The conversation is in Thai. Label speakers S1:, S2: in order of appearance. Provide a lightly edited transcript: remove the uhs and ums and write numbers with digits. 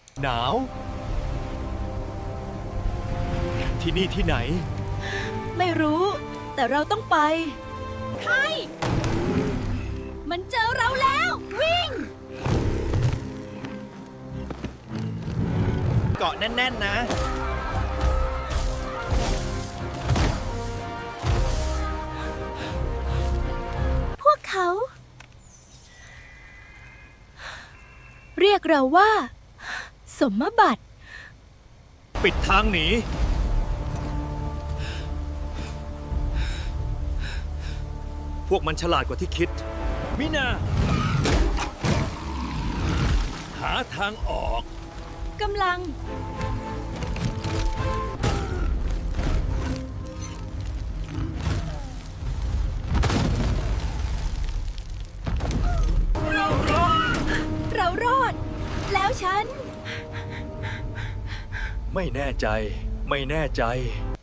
S1: หนาว ที่นี่ที่ไหน
S2: ไม่รู้ แต่เราต้องไปใครมันเจอเราแล้ว วิ่ง
S1: เกาะแน่นๆนะ
S2: พวกเขา เรียกเราว่า สมบัติ
S1: ปิดทางหนี พวกมันฉลาดกว่าที่คิด มินา หาทางออก
S2: กำลัง เรารอด แล้วฉัน
S1: ไม่แน่ใจ ไม่แน่ใจ